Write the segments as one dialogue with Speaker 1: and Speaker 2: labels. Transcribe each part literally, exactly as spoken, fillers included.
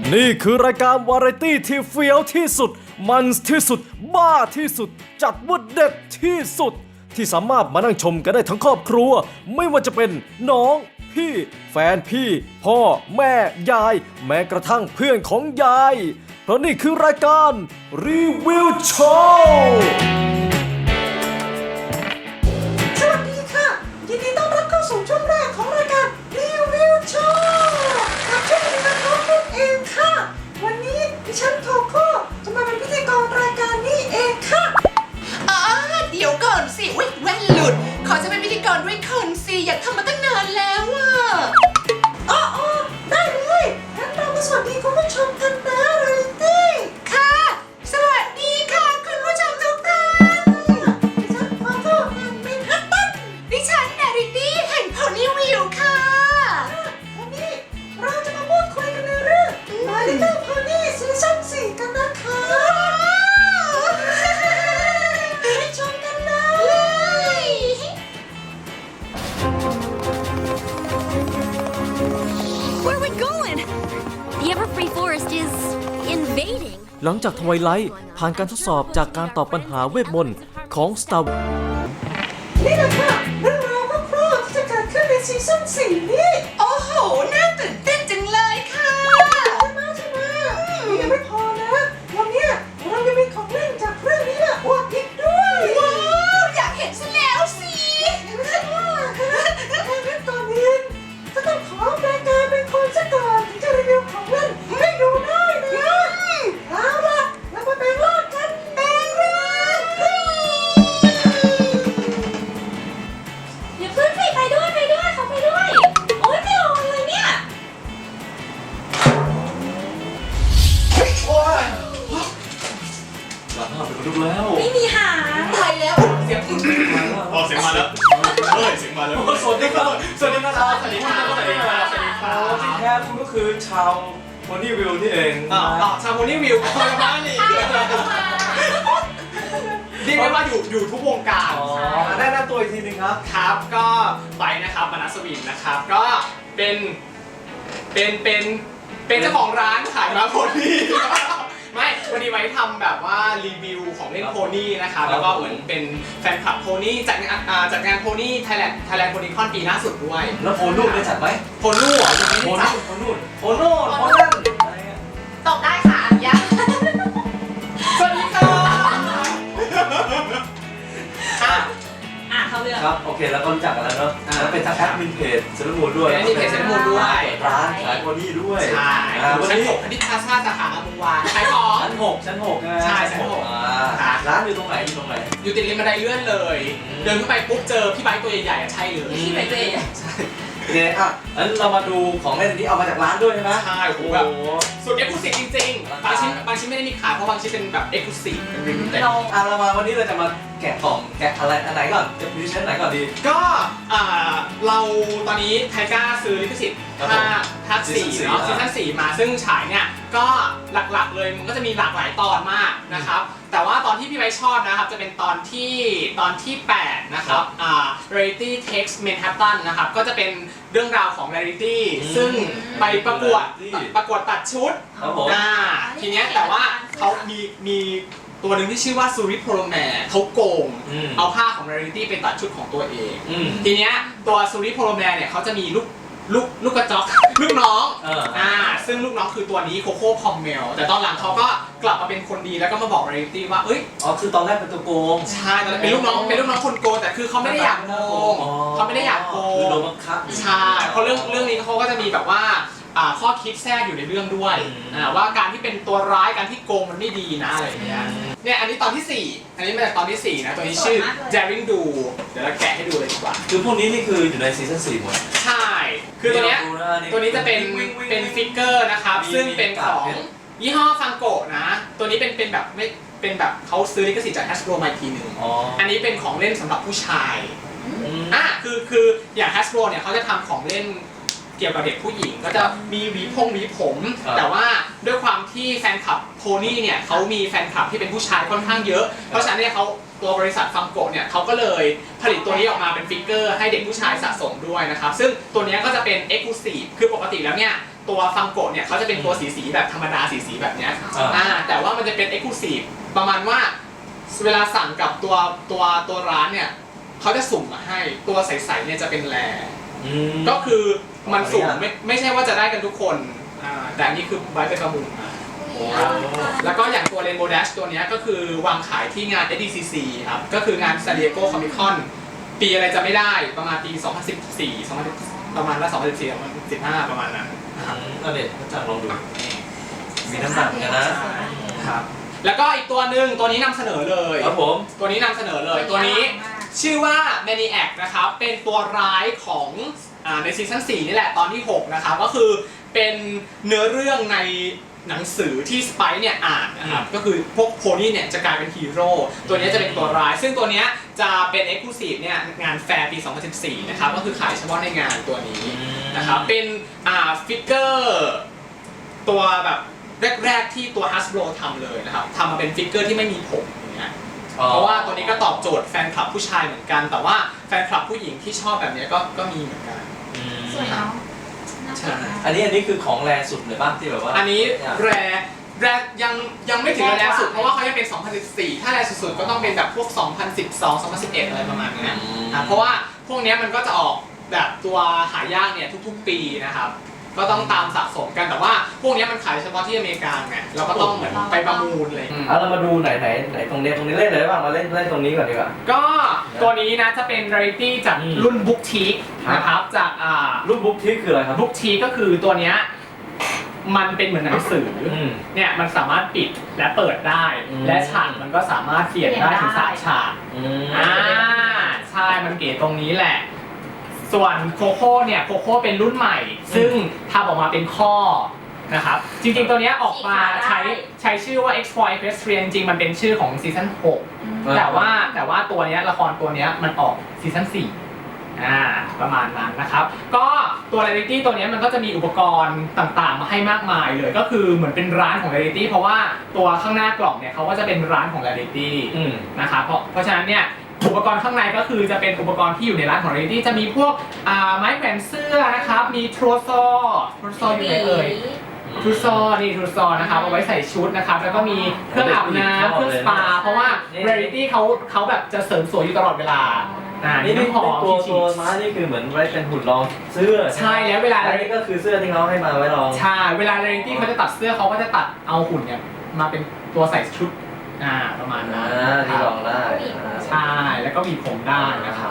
Speaker 1: นี่คือรายการวาไรตี้ที่เฟี้ยวที่สุดมันที่สุดบ้าที่สุดจัดว่าเด็ดที่สุดที่สามารถมานั่งชมกันได้ทั้งครอบครัวไม่ว่าจะเป็นน้องพี่แฟนพี่พ่อแม่ยายแม้กระทั่งเพื่อนของยายเพราะนี่คือรายการรีวิวโชว์
Speaker 2: สวัสดีค่ะยินดีต้อนรับเข้าสู่ช่วงแรกของรายการรีวิวโชว์กับช่วงนี้นะครับนั่นเองค่ะวันนี้ดิฉันโทโก้จะมาเป็นพิธีกรรายการนี้เองค่ะ
Speaker 3: อ๋อเดี๋ยวก่อนสิอุ๊ยแว่นหลุดขอจะเป็นพิธีกรด้วยคนสิอยากทำมาตั้งนานแล้วอ่ะ
Speaker 2: อ๋อได้เลยงั้นเรามาสวัสดีคุณผู้ชมกันนะเลยตี้
Speaker 3: ค่ะสวัสดีค่ะคุณผู้ชมทุกท่าน
Speaker 2: ดิฉันขอโทษแห่งเมนฮัตตัน
Speaker 3: ดิฉันนาริตี้แห่งโพนี่วิวค่ะ
Speaker 2: วันนี้เราจะมาพูดคุยกันในเรื่อง My Little Pony ซีซั่นสี่กันนะคะไปชมกันเลย
Speaker 4: Where are we going? The Everfree Forest is invading.
Speaker 1: หลังจากทวายไลท์ผ่านการทดสอบจากการตอบปัญหาเวทมนต์ของ Star
Speaker 2: นี่แหละค่ะเรื่องราวคร่าวๆที่จะเกิดขึ้นในซีซั่นสี่นี้
Speaker 3: โอ้โหน่าตื่นเต้นจังเลยค่ะ
Speaker 2: ใช่ไหมใช่ไหมยังไม่พอนะวันนี้เรายังมีของเล่นจากเรื่องนี้อวดอีกด้วย
Speaker 3: ว้าวอยากเห็นซะแล้วสิ
Speaker 2: แต่ก่อนอื่นก็ต้องขอแปลกายเป็นคนซะก่อนถึงจะรีวิวของเล่นให้ดูได้นะเอาล่ะเรามาแบ่งรอดกันแบ่งรอด
Speaker 4: อย่าเพิ่งสิไปด้วยไปด้วยเขาไปด้วย โอ๊ยไม่ออกเลยเนี่ย
Speaker 1: หลังห้าเป็นลูกแล้ว
Speaker 4: ไม่มีหาง
Speaker 3: ตายแล้วเสียงอึ้ง
Speaker 5: อ๋อเสียงมาแล้วเฮ้ยเสียงมาแล้ว
Speaker 1: สวัสดีครับสวัสดีนะครับสวัสดีครับสวัสดีครับสวัสดีครับที่แท้คุณก็คือชาวโพนี่วิวนี่เอง
Speaker 5: อ่าชาวโพนี่วิวคอยมานี่เรียกได้ว่าอยู่อยู่ทุกวงการ
Speaker 1: อ๋อแนะนำตัวอีกทีนึงครับ
Speaker 5: ครับก็ไปนะครับมนัสวินนะครับ ก็เป็นเป็นเป็นเป็นเจ้าของร้านขายม้าโพนี่ไม่วันนี้ไว้ทำแบบว่ารีวิวของเล่นโพนี่นะครับแล้วก็เหมือนเป็นแฟนคลับโพนี่จัดงานจัดงานโพนี่ไทยแลนด์ไทยแลนด์โพนี่คอนปีล่าสุดด้วย
Speaker 1: แล้วโพนู่นได้จัดไหม
Speaker 5: โพนู่เหรอยังไม่
Speaker 1: โพ
Speaker 5: ได้จั
Speaker 1: นู่
Speaker 5: ด
Speaker 1: นโพนู่นโพโน่นโพนั่นอะไรเงี้ย
Speaker 3: ตอบได้ค่ะอนุญาต
Speaker 5: สวัสดีค่ะอ่ะ
Speaker 4: อ่ะเขาเลือก
Speaker 1: ครับโอเคแล้วก็รู้จักกันแล้วเนาะแล้วเป็นทางแอดมินเพจเซเลมูนด้วย
Speaker 5: เป็นแอดมินเพจ Sailor Moon ด้วย
Speaker 1: ร้านขายโพนี่ด้วย
Speaker 5: ใช่
Speaker 1: อ่าวัน
Speaker 5: ชั้น
Speaker 1: นี้
Speaker 5: หกคณิตศาสตร์สาขาอมุวาขายของ
Speaker 1: ชั้นหกชั้นหกใช่ไหม
Speaker 5: ใช่ชั้นหก
Speaker 1: อ่าร้านอยู่ตรงไหนอยู่ตรงไหน
Speaker 5: อยู่ติดริมบันไดเลื่อนเลย เดินขึ้นไปปุ๊บเจอพี่ไบค์ตัวใหญ่ๆอ่ะใช่เลย
Speaker 4: ที่ไปตัวเอง
Speaker 1: โอเคอ่ะงั้นเรามาดูของเล่นอันนี้เอามาจากร้านด้วยใช่ไหม
Speaker 5: ใช่โอ้โหแบบสุดเอ็กซ์คลูซีฟจริงๆ บางชิ้นบางชิ้นไม่ได้มีขายเพราะบางชิ้นเป็นแบบเอ็กซ์คลูซีฟเป็นริมแต่
Speaker 4: เรา
Speaker 1: อ่ะเรามาวันนี้เราจะมาแกะกล่องแกะอะไรอันไหนก่อนจะพิเศษไหนก่อนดี
Speaker 5: ก็อ่าเราตอนนี้ไทก้าซื้อลิขสิทธิ์ภาคภาคสี่เนาะซีซั่นสี่มาซึ่งฉายเนี่ยก็หลักๆเลยมันก็จะมีหลากหลายตอนมากนะครับแต่ว่าตอนที่พี่ไบค์ชอบนะครับจะเป็นตอนที่ตอนที่แปดนะครับอ่า Rarity Takes Manhattan นะครับก็จะเป็นเรื่องราวของ Rarity ซึ่งไปประกวดประกวดตัดชุด
Speaker 1: ครับผม
Speaker 5: อ่าทีเนี้ยแต่ว่าเขามีมีตัวหนึ่งที่ชื่อว่าซูริโพโลแมร์เขาโกง
Speaker 1: อืม
Speaker 5: เอาผ้าของ Rarity ไปตัดชุดของตัวเอง
Speaker 1: อืม
Speaker 5: ทีเนี้ยตัวซูริโพโลแมร์เนี่ยเขาจะมีลูกลูกลูกกระจอก ลูกน้อง
Speaker 1: เอออ่
Speaker 5: อ่าซึ่งลูกน้องคือตัวนี้โคโค่พอมเมลแต่ตอนหลังเขาก็กลับมาเป็นคนดีแล้วก็มาบอก Rarity ว่าเอ้ย
Speaker 1: อ๋อคือตอนแรกเป็นตัวโกง
Speaker 5: ใช่ตอนนั้นเป็นลูกน้องเป็นลูกน้องคนโกงแต่คือเขาไม่ได้อยากโกง
Speaker 1: อ๋อ
Speaker 5: เขาไม่ได้อยากโก
Speaker 1: คือง โดนบังคับ
Speaker 5: ใช่เพราะเรื่องเรื่องนี้เขาก็จะมีแบบว่าอ่าข้อคิดแทรกอยู่ในเรื่องด้วย
Speaker 1: อืม
Speaker 5: อ่าว่าการที่เป็นตัวร้ายการที่โกงมันไม่ดีนะอะไรอย่างเงี้ยเนี่ยอันนี้ตอนที่สี่อันนี้มาจากตอนที่สี่นะตัวนี้ชื่อ Daring Do เดี๋ยวเราแกะให้ดูเลยดีกว่า
Speaker 1: คือพวกนี้นี่คืออยู่ในซีซั่นสี่หมด
Speaker 5: ใช่ คือตัวเนี้ย
Speaker 1: ดูะ
Speaker 5: ตัวนี้จะเป็น
Speaker 1: วิ่งวิ่งวิ่ง
Speaker 5: เป็นฟิกเกอร์นะครับ
Speaker 1: มี
Speaker 5: ซึ่งเป็นของ
Speaker 1: มีการ์ด
Speaker 5: ยี่ห้อฟังโกะนะ ตัวนี้เป็นเป็นแบบไม่เป็นแบบเขาซื้อลิขสิทธิ์จาก Hasbro มาอีกทีหนึ่ง
Speaker 1: อ๋อ
Speaker 5: อันนี้เป็นของเล่นสำหรับผู้ชาย
Speaker 1: อืม
Speaker 5: อ่ะคือคืออย่าง Hasbro เนี่ยเขาจะทำของเล่นเกี่ยวกับเด็กผู้หญิงก็จะมีหวีพงหวีผม
Speaker 1: ครับ
Speaker 5: แต่ว่าด้วยความที่แฟนคลับโพนี่เนี่ยเขามีแฟนคลับที่เป็นผู้ชายค่อนข้างเยอะ เพราะฉะนั้นเนี่ยเขาตัวบริษัทฟังโกะเนี่ยเขาก็เลยผลิตตัวนี้ออกมาเป็นฟิกเกอร์ให้เด็กผู้ชายสะสมด้วยนะครับซึ่งตัวนี้ก็จะเป็น Exclusive คือปกติแล้วเนี่ยตัวฟังโกะเนี่ยเขาจะเป็นตัวสีสีแบบธรรมดาสีสีแบบเนี้ยอ่าแต่ว่ามันจะเป็น Exclusive ประมาณว่าเวลาสั่งกับตัวตัวตัวร้านเนี่ยเขาจะสุ่มมาให้ตัวใสๆเนี่ยจะเป็นแรก็คือมันสุ่มไม่ไม่ใช่ว่าจะได้กันทุกคนอ่าแต่อันนี้คือไว้เป็นประมูลมาแล้วก็อย่างตัว Rainbow Dash ตัวนี้ก็คือวางขายที่งาน เอส ดี ซี ซี ครับก็คืองาน San Diego Comic Con ปีอะไรจะไม่ได้ประมาณปี สองพันสิบสี่ สองพันประมาณละสองพันสิบสี่ สองพันสิบห้าประมาณนั้น
Speaker 6: ก็เด็ดก็จังลองดูมีน้ำหนักกันนะครับ
Speaker 5: แล้วก็อีกตัวหนึ่งตัวนี้นำเสนอเลย
Speaker 6: ครับผม
Speaker 5: ตัวนี้นำเสนอเลยตัวนี้ชื่อว่า Maniac นะครับเป็นตัวร้ายของอ่าในซีซั่นสี่นี่แหละตอนที่หกนะครับก็คือเป็นเนื้อเรื่องในหนังสือที่สไปซ์เนี่ยอ่านนะครับก็คือพวกโพนี่เนี่ยจะกลายเป็นฮีโร่ตัวนี้จะเป็นตัวร้ายซึ่งตัวนี้จะเป็น Exclusive เนี่ยงานแฟร์ปี สองพันสิบสี่ นะครับก็คือขายเฉพาะในงานตัวนี้นะครับเป็นอ่าฟิกเกอร์ตัวแบบแรกๆที่ตัว Hasbro ทำเลยนะครับทำมาเป็นฟิกเกอร์ที่ไม่มีผมอย่างเงี้ยเพราะว่าตัวนี้ก็ตอบโจทย์แฟนคลับผู้ชายเหมือนกันแต่ว่าแฟนคลับผู้หญิงที่ชอบแบบนี้ก็ก็มีเหมือนกัน
Speaker 4: สวยเนาะน่าสวยมาก
Speaker 6: อันนี้อันนี้คือของแรสุดเลยป่ะที่แบบว่า
Speaker 5: อันนี้แรแรยังยังไม่ถึงแรสุดเพราะว่าเขายังเป็น สองพันสิบสี่ ถ้าแรสุดๆก็ต้องเป็นแบบพวก สองพันสิบสอง สองพันสิบเอ็ด อะไรประมาณนี้นะเพราะว่าพวกนี้มันก็จะออกแบบตัวหายากเนี่ยทุกๆปีนะครับก็ต้องตามสะสมกันแต่ว่าพวกนี้มันขายเฉพาะที่อเมริกาไงเราก็ต้องเหมือนไปประมูลเลย
Speaker 6: เอาเรามาดูไหนไหนไหนตรงนี้ตรงนี้เล่นเลยบ้างมาเล่นเล่นตรงนี้ก่อนดีกว่า
Speaker 5: ก็ตัวนี้นะจะเป็น Rarity จากรุ่น Book Teak นะครับจากอ่า
Speaker 6: รุ่นบุ๊กที่คืออะไรครับ
Speaker 5: Book Teak ก็คือตัวเนี้ยมันเป็นเหมือนหนังสือ
Speaker 6: ม
Speaker 5: เนี่ยมันสามารถปิดและเปิดได้
Speaker 6: อืม
Speaker 5: และฉากมันก็สามารถเปลี่ยนได้ถึงสามฉาก
Speaker 6: อืม
Speaker 5: อ่าใช่มันเก๋ตรงนี้แหละ ส่วนโคโค่เนี่ยโคโค่เป็นรุ่นใหม่ ซึ่งทำออกมาเป็นข้อนะครับจริงๆตัวเนี้ยออกมาใช้ใช้ชื่อว่า X-Foil Equestrian จริงๆมันเป็นชื่อของซีซั่นหกแต่ว่าแต่ว่าตัวเนี้ยละครตัวเนี้ยมันออกซีซั่นสี่อ่าประมาณนั้นนะครับก็ตัว Rarity ตัวเนี้ยมันก็จะมีอุปกรณ์ต่างๆมาให้มากมายเลยก็คือเหมือนเป็นร้านของ Rarity เพราะว่าตัวข้างหน้ากล่องเนี่ยเขาก็จะเป็นร้านของ Rarity
Speaker 6: อืม
Speaker 5: นะครับเพราะเพราะฉะนั้นเนี่ยอุปกรณ์ข้างในก็คือจะเป็นอุปกรณ์ที่อยู่ในร้านของ Rarity จะมีพวกอ่าไม้แขวนเสื้อนะครับมีทรูซอทรูซออยู่ไหนเอ่ยทรูซอนี่ทรูซอนะครับเอาไว้ใส่ชุดนะครับแล้วก็มีเครื่องอาบน้ำเครื่องสปาเพราะว่า Rarity เขาเขาแบบจะเสริมสวยอยู่ตลอดเวลาอ่า
Speaker 6: นี่
Speaker 5: นี่
Speaker 6: นี่
Speaker 5: น้ำหอม
Speaker 6: ตัว
Speaker 5: ที่ฉี
Speaker 6: ตัว
Speaker 5: ด
Speaker 6: ม้านี่คือเหมือนไว้เป็นหุ่นรองเสื้อ
Speaker 5: ใช่แล้วเวลา
Speaker 6: อันนี้ก็คือเสื้อที่เขาให้มาไว้รอง
Speaker 5: ใช่เวลา Rarity เขาจะตัดเสื้อเขาก็จะตัดเอาหุ่นเนี่ยมาเป็นตัวใส่ชุดอ่าประมาณนั้น
Speaker 6: อ่าที่รองได้
Speaker 5: ใช่แล้วก็มีผมได้นะครับ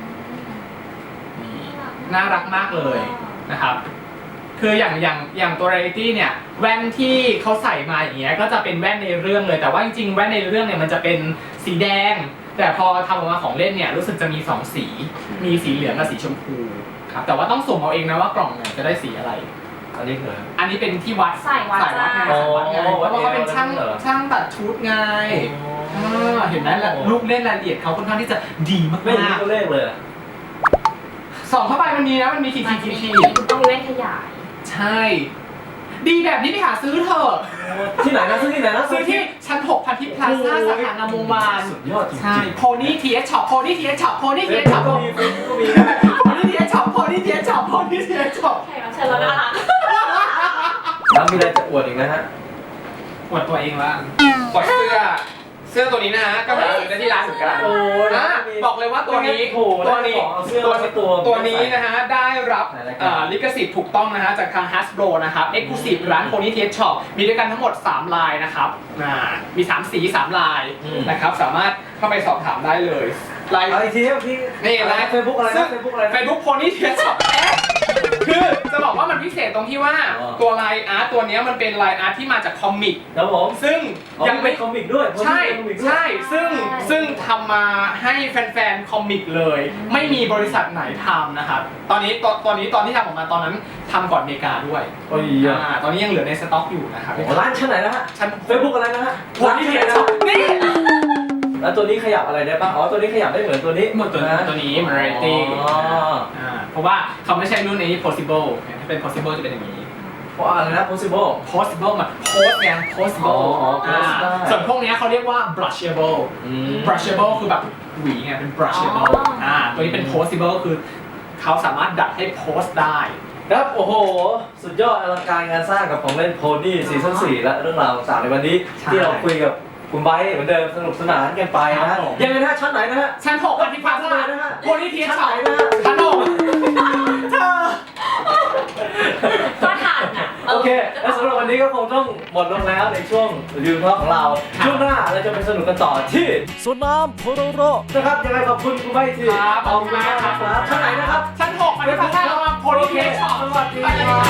Speaker 5: นี่น่ารักมากเลยนะครับ คืออย่างอย่างอย่างตัว Rarity เนี่ยแว่นที่เขาใส่มาอย่างเงี้ยก็จะเป็นแว่นในเรื่องเลยแต่ว่าจริงๆแว่นในเรื่องเนี่ยมันจะเป็นสีแดง แต่พอทำออกมาของเล่นเนี่ยรู้สึกจะมีสองสีมีสีเหลืองกับสีชมพูครับแต่ว่าต้องสุ่มเอาเองนะว่ากล่องเนี่ยจะได้สีอะไร
Speaker 6: อันนี้คือ
Speaker 5: อันนี้เป็นที่วัด
Speaker 4: ใส่วัด
Speaker 5: ใส่วัดไง
Speaker 4: จ้า
Speaker 5: ใส่วัดไงเพราะว่าเขาเป็นช่าง
Speaker 6: เหรอ
Speaker 5: ช่างตัดชุดไงอ่าเห็นไหมล่ะลูกเล่นรายละเอียดเขาค่อนข้างที่จะดีมาก
Speaker 6: ไม่มีตัวเลขเลยอะ
Speaker 5: ๆส่องเข้าไปมันมีนะมันมีทีทีทีที
Speaker 4: คุณต้องเล่นขยาย
Speaker 5: ใช่ ดีแบบนี้ไปหาซื้อเถอะ
Speaker 6: ที่ไหนนะซื้อที่ไหนนะ
Speaker 5: ซื้อที่ชั้นหกพันทิพย์พลาซ่าสาขางามวงวาน
Speaker 6: สุดยอดจริงๆ
Speaker 5: ใช่โพนี่ทีเอชช็อปโพนี่ทีเอชช็อปโพนี่ทีเอชช็อป
Speaker 6: ก็มีก็มี
Speaker 5: โพนี่ทีเอชช็อปโพนี่ทีเอชช็อปโพนี่ทีเอชช็อป
Speaker 4: แขกรับเชิญเราน่ารัก
Speaker 6: แล้วมีอะไรจะอวดอีกไหมฮะ
Speaker 5: อวดตัวเองละปล่อยเสื้อ เสื้อตัวนี้นะฮะก็หาซื้อได้ที่ร้านเหมือนกัน
Speaker 6: โอ้ย
Speaker 5: อ่ะบอกเลยว่าตัวนี้
Speaker 6: โอ้โห
Speaker 5: ตัวนี้
Speaker 6: เอาเสื้อ
Speaker 5: ตัว
Speaker 6: มาตัว
Speaker 5: ตัวนี้นะฮะได้รับ
Speaker 6: ไหนรายการ
Speaker 5: เอ่อลิขสิทธิ์ถูกต้องนะฮะจากทาง Hasbro นะครับ Exclusive ร้าน Pony T S Shop มีด้วยกันทั้งหมดสามลายนะครับอ่ามีสามสีสามลายนะครับสามารถเข้าไปสอบถามได้เลยลาย
Speaker 6: เอาอีกทีครับพี่
Speaker 5: นี่ไลน์
Speaker 6: เฟซบุ๊กอะไรนะเฟซบุ๊กอะไรนะ
Speaker 5: เฟซบุ๊กโพนี่เทียช็อปแอปคือจะบอกว่ามันพิเศษตรงที่ว่า
Speaker 6: อ๋อ
Speaker 5: ตัวไลน์อาร์ตตัวเนี้ยมันเป็นไลน์อาร์ตที่มาจากคอมิก
Speaker 6: ครับผม
Speaker 5: ซึ่ง
Speaker 6: ยั
Speaker 5: ยัง ง
Speaker 6: ไม่
Speaker 5: ไม่
Speaker 6: คอมิกด้วย
Speaker 5: ใช่
Speaker 6: คอมิกด้วย
Speaker 5: ใช่ซึ่งซึ่งทำมาให้แฟนๆคอมิกเลย ไม่มีบริษัทไหนทำนะครับตอนนี้ตอนตอนนี้ตอนที่ทำออกมาตอนนั้นทำก่อนอเมริกาด้วย
Speaker 6: โอ้ย
Speaker 5: อ่าตอนนี้ยังเหลือในสต็อกอยู่นะครับ
Speaker 6: โอ้ร้านชั้นไหนนะฮะ
Speaker 5: ชั้น
Speaker 6: เฟซบุ๊กอะไรนะฮะ
Speaker 5: โพนี่เทียช็อปนี่
Speaker 6: แล้วตัวนี้ขยับอะไรได้บ้างอ๋อตัวนี้ขยับได้เหมือนตัวนี้
Speaker 5: หมดตัวตัวนี้มัน Rarity
Speaker 6: อ๋อ
Speaker 5: อ่าเพราะว่าเขาไม่ใช่รุ่นนี้ possible ถ้าเป็น possible จะเป็นอย่างนี้
Speaker 6: ว่าอะไรนะ possible
Speaker 5: possible แบบ post ไง possible
Speaker 6: อ๋ออ๋อ
Speaker 5: อ่า
Speaker 6: post ได้
Speaker 5: ส่วนพวกเนี้ยเขาเรียกว่า brushable
Speaker 6: อืม
Speaker 5: brushable คือแบบหวีไงเป็น brushable
Speaker 4: อ๋ออ่
Speaker 5: อ่าตัวนี้เป็น postable คือเขาสามารถดัดให้ post ได้
Speaker 6: ครับโอ้โห สุดยอดอลังการงานสร้างกับของเล่นโพนี่ซีซั่นสี่และเรื่องราวต่างๆในวันนี้
Speaker 5: ใช่
Speaker 6: ที่เราคุยกับคุณไบร์ทเหมือนเดิมสนุกสนานกันไป
Speaker 5: ครั
Speaker 6: นะ
Speaker 5: บผม
Speaker 6: ยังไงนะชั้นไหนนะฮะ
Speaker 5: ชั้นหกอธิพา
Speaker 6: ชั้น
Speaker 5: ซ่า
Speaker 6: ไหนนะฮะ
Speaker 5: โพนี่ที
Speaker 6: ชั้น
Speaker 5: ส
Speaker 6: ไหน
Speaker 5: อง
Speaker 6: นะฮะ
Speaker 5: ชั้นหกเธอ
Speaker 4: ก็ทันอ่ะ
Speaker 6: โอเค และสำหรับวันนี้ก็คงต้องหมดลงแล้วในช่วงรีวิวของเรา ช่วงหน้าเราจะไปสนุกกันต่อที่
Speaker 1: สวนน้ำโพโรโร
Speaker 6: นะครับยังไงขอบคุณคุณไบร์ทที่
Speaker 5: ครับขอบคุณมากครับ
Speaker 6: ชั้นไหนนะครับ
Speaker 5: ชั้นหกอธิพาซ่าระวังโพนี่ทีสอง
Speaker 6: สวัสดี
Speaker 5: ไปเลย
Speaker 6: ค
Speaker 5: ค
Speaker 6: รั
Speaker 5: รับ